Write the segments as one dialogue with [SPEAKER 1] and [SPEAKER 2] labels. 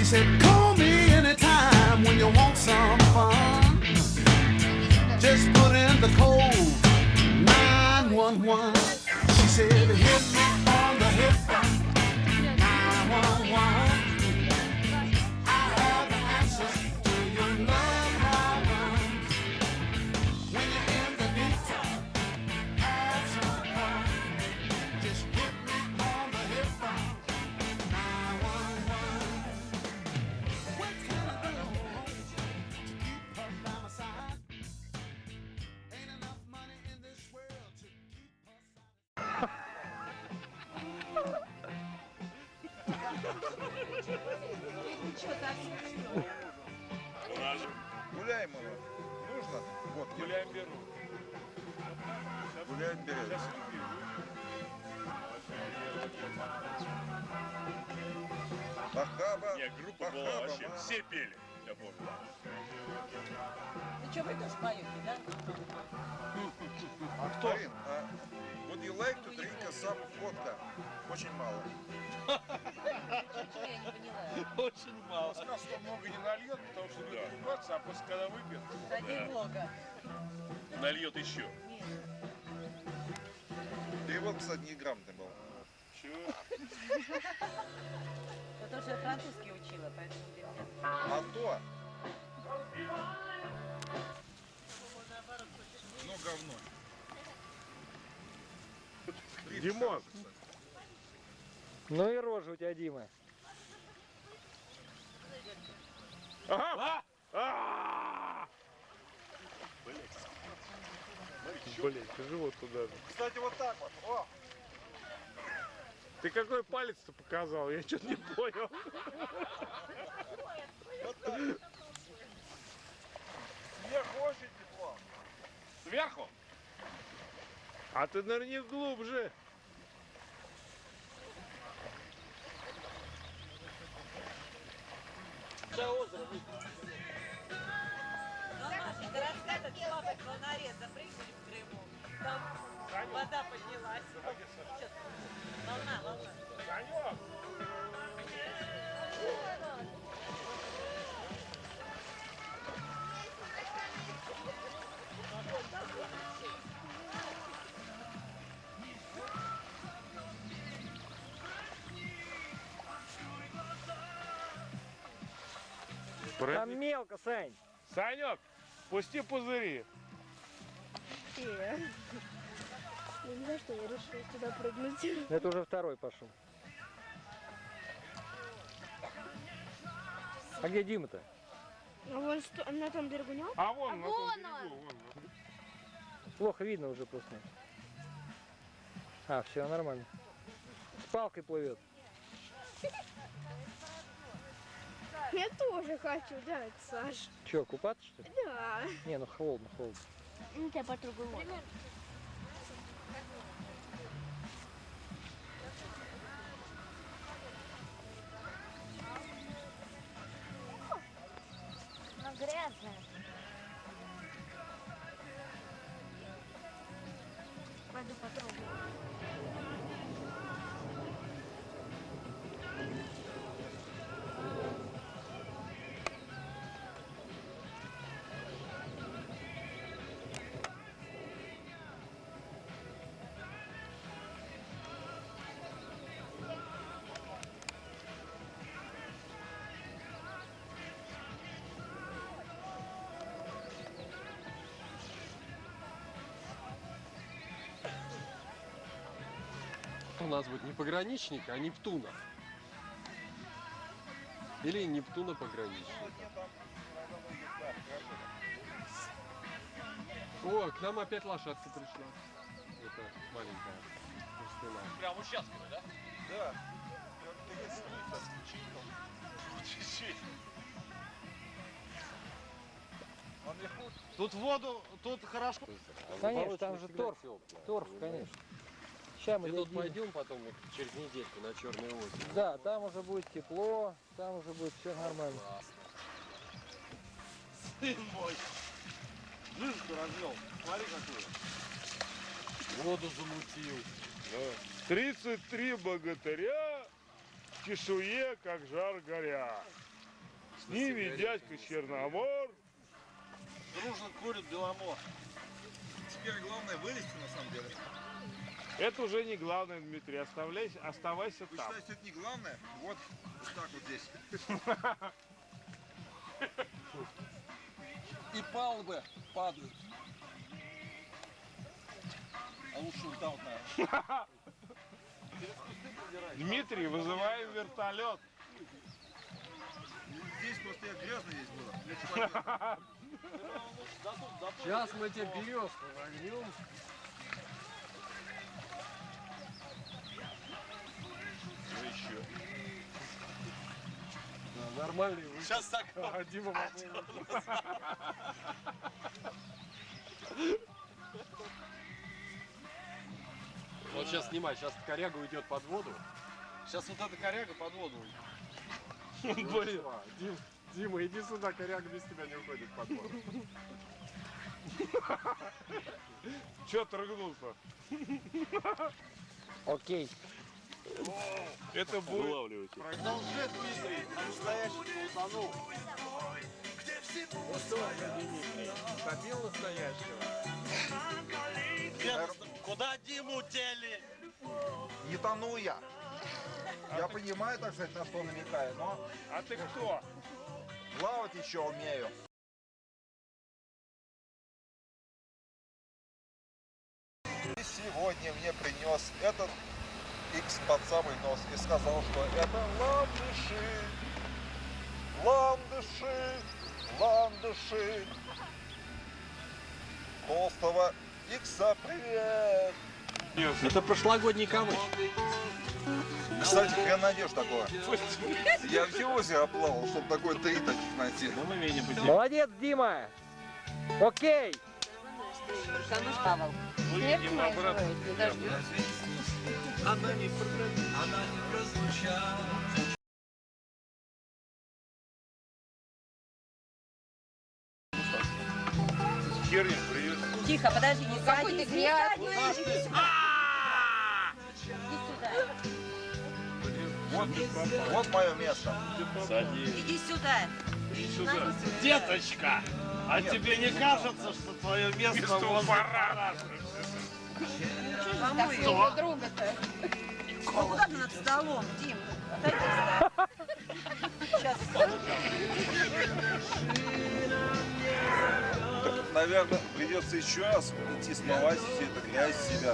[SPEAKER 1] said, call me anytime when you want some fun. Just put in the code 911. She said, hit me on the hip. 911. I have the answers to your love problems. When you're in the deep time, have some fun. Just hit me on the hip. 911. What can I do to keep her by my side? Ain't enough money in this world to keep her satisfied.
[SPEAKER 2] Гуляем его. Нужно? Вот,
[SPEAKER 3] Гуляем беру.
[SPEAKER 2] гуляем берем. Бахаба.
[SPEAKER 3] Нет, группа была
[SPEAKER 2] Бахаба,
[SPEAKER 3] вообще,
[SPEAKER 2] ма.
[SPEAKER 3] все пели, я помню.
[SPEAKER 4] Ну что, вы тоже поете, да?
[SPEAKER 2] А кто? Марин, would you like to drink some vodka? Очень мало.
[SPEAKER 4] Чего я не поняла?
[SPEAKER 3] Очень мало.
[SPEAKER 5] Сказал, что много не нальет, потому что будет ругаться, а после когда выпьет.
[SPEAKER 4] Ради блога.
[SPEAKER 3] Нальет еще.
[SPEAKER 4] Нет.
[SPEAKER 2] Перевод, кстати, неграмотный был.
[SPEAKER 3] Чего?
[SPEAKER 4] Потому что я французский учила, поэтому для меня...
[SPEAKER 2] А то.
[SPEAKER 5] Ну, говно.
[SPEAKER 6] Димон. Ну и рожа у тебя, Дима. Ага. Блин, живот туда же.
[SPEAKER 2] Кстати, вот так вот. О!
[SPEAKER 6] Ты какой палец-то показал? Я что-то не понял.
[SPEAKER 2] Сверху очень тепло.
[SPEAKER 3] Сверху?
[SPEAKER 6] А ты нырни глубже.
[SPEAKER 4] Ну, Машенька, рассказывай, папа в волнаре запрыгнули в Крыму. Там вода поднялась. Сейчас. Волна.
[SPEAKER 6] Там мелко, Сань. Санек, пусти пузыри.
[SPEAKER 7] Я не знаю, что я решила туда прыгнуть.
[SPEAKER 6] Это уже второй пошел. А где Дима-то?
[SPEAKER 7] А вон на том берегу нет?
[SPEAKER 6] А вон,
[SPEAKER 7] на том берегу,
[SPEAKER 6] вон. Плохо видно уже просто. А, все нормально. С палкой плывет.
[SPEAKER 7] Я тоже хочу, да, Саш.
[SPEAKER 6] Че, купаться что ли?
[SPEAKER 7] Да.
[SPEAKER 6] Не, ну холодно.
[SPEAKER 7] Ну, тебя потрогаю. Она грязная. Пойду потрогаю.
[SPEAKER 8] У нас будет не пограничник, а Нептуна. Или Нептуна пограничник. О, к нам опять лошадка пришла. Это маленькая. Пустына.
[SPEAKER 3] Прям участковый, да?
[SPEAKER 2] Да.
[SPEAKER 5] Тут воду, тут хорошо.
[SPEAKER 6] Конечно, там же торф. Торф, конечно. Сейчас мы
[SPEAKER 8] И тут
[SPEAKER 6] дадим.
[SPEAKER 8] пойдем потом вот через недельку на Черное озеро.
[SPEAKER 6] Да, там уже будет тепло, там уже будет все нормально.
[SPEAKER 5] Сын мой. Жижку развел. Смотри какую.
[SPEAKER 8] Воду замутил.
[SPEAKER 6] 33 богатыря в чешуе, как жар горя.
[SPEAKER 5] С ними дядька Черномор.
[SPEAKER 1] Дружно курит Беломор.
[SPEAKER 2] Теперь главное вылезти на самом деле.
[SPEAKER 5] Это уже не главное, Дмитрий. Оставайся
[SPEAKER 2] Вы
[SPEAKER 5] там.
[SPEAKER 2] считаете, что это не главное? Вот так вот здесь.
[SPEAKER 1] И палубы падают. А лучше вот там, наверное.
[SPEAKER 5] Дмитрий, вызываем вертолет.
[SPEAKER 2] Здесь просто я грязно здесь было. Я человек.
[SPEAKER 6] Сейчас мы тебе березку загнем. Да, нормальный выход.
[SPEAKER 1] Сейчас так.
[SPEAKER 6] А, Дима попробуй. Вот сейчас снимай, сейчас коряга уйдет под воду.
[SPEAKER 1] Сейчас вот эта коряга под воду.
[SPEAKER 6] Блин, Дима, иди сюда, коряга без тебя не уходит под воду.
[SPEAKER 5] Че отрыгнулся?
[SPEAKER 6] Окей.
[SPEAKER 5] Это будет.
[SPEAKER 1] Это уже Дмитрий, по-настоящему утонул.
[SPEAKER 5] Забил настоящего.
[SPEAKER 1] Куда Диму тели?
[SPEAKER 2] Не тону я. Я понимаю, так сказать, на что намекаю, но
[SPEAKER 5] А ты кто?
[SPEAKER 2] плавать еще умею. И сегодня мне принес этот X под самый нос и сказал, что это ландыши, ландыши, ландыши. Толстого Икса, привет!
[SPEAKER 6] Это прошлогодний камыш.
[SPEAKER 2] Кстати, хрен найдешь такое. Я все озеро оплавал, чтобы такой 3 таких найти.
[SPEAKER 6] Молодец, Дима. Окей.
[SPEAKER 4] Камыш Павел.
[SPEAKER 5] Выйдем обратно.
[SPEAKER 1] Она не прозвучала.
[SPEAKER 5] Херня, привет.
[SPEAKER 4] Тихо, подожди, не садись. Не садись. Иди сюда.
[SPEAKER 2] Вот мое место.
[SPEAKER 4] Иди сюда.
[SPEAKER 5] Деточка,
[SPEAKER 1] А тебе не кажется, что твое место
[SPEAKER 5] у парада.
[SPEAKER 4] Своего друга-то. Ну куда ты над столом, Дим? Сейчас.
[SPEAKER 2] Так, наверное, придется еще раз идти смывать все это грязь с себя.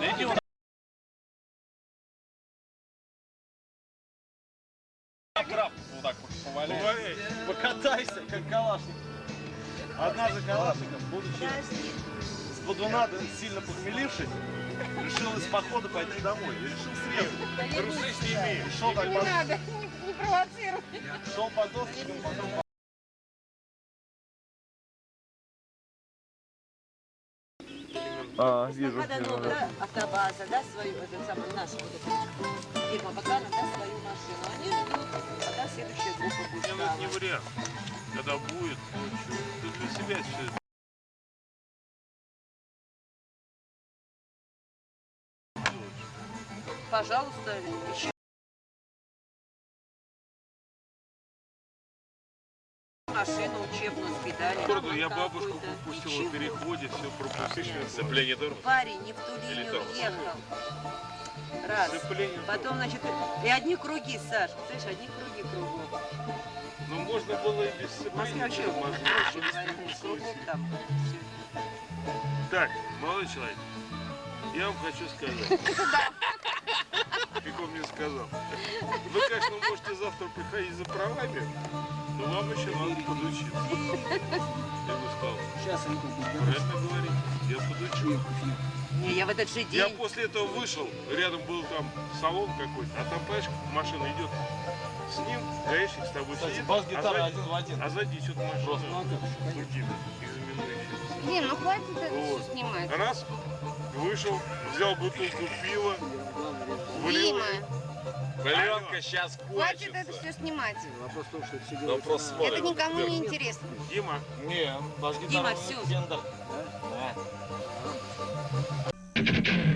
[SPEAKER 1] краб вот так поваляй. Покатайся, как калашник. Однажды калашников, будучи с бодуна сильно похмелившись, решил из похода пойти домой. И решил срезать.
[SPEAKER 5] Трусы сними.
[SPEAKER 1] Шел так по...
[SPEAKER 7] Не провоцируй.
[SPEAKER 1] Шел по досочкам, потом
[SPEAKER 6] Вижу.
[SPEAKER 4] Пока новая автобаза, да, свою, этот самый, нашу вот эту фирма Бакана, да, свою машину. Они ждут, пока следующая группа будет.
[SPEAKER 5] Ну, это не вариант. Когда будет, ты для себя все это.
[SPEAKER 4] Пожалуйста, еще. Машину учебную сдали.
[SPEAKER 5] Я бабушку пропустил на переходе, все пропустил. Сцепление тормоз.
[SPEAKER 4] Парень не в ту
[SPEAKER 5] Или
[SPEAKER 4] линию
[SPEAKER 5] тормоз.
[SPEAKER 4] ехал. Раз.
[SPEAKER 5] Сцепление
[SPEAKER 4] Потом, значит, и одни круги, Саш, слышишь, одни круги кругом.
[SPEAKER 5] Ну можно было и без
[SPEAKER 4] В
[SPEAKER 5] сцепления.
[SPEAKER 4] Москве вообще проще говорить, кругом там.
[SPEAKER 5] Так, молодой человек, я вам хочу сказать. Как он мне сказал. Вы, конечно, можете завтра приходить за правами, но вам еще надо подучиться. Я бы сказал, правильно говорить, я подучу.
[SPEAKER 4] Не, я в этот же
[SPEAKER 5] Я
[SPEAKER 4] день.
[SPEAKER 5] после этого вышел, рядом был там салон какой-то, а там, понимаешь, машина идет с ним, гаишник с тобой сидит,
[SPEAKER 1] бас-гитара
[SPEAKER 5] а
[SPEAKER 1] один в один.
[SPEAKER 5] сзади идет машина другим, экзаменующим.
[SPEAKER 7] Дим, ну хватит это
[SPEAKER 5] Вот.
[SPEAKER 7] все снимать.
[SPEAKER 5] Раз, вышел, взял бутылку пива, влил
[SPEAKER 7] Дима,
[SPEAKER 5] ее.
[SPEAKER 3] Пленка сейчас
[SPEAKER 7] хватит это все снимать.
[SPEAKER 3] Вопрос
[SPEAKER 7] Это никому не интересно.
[SPEAKER 5] Дима,
[SPEAKER 1] Не, бас-гитара
[SPEAKER 4] Дима, всё.
[SPEAKER 1] Фендер. Да.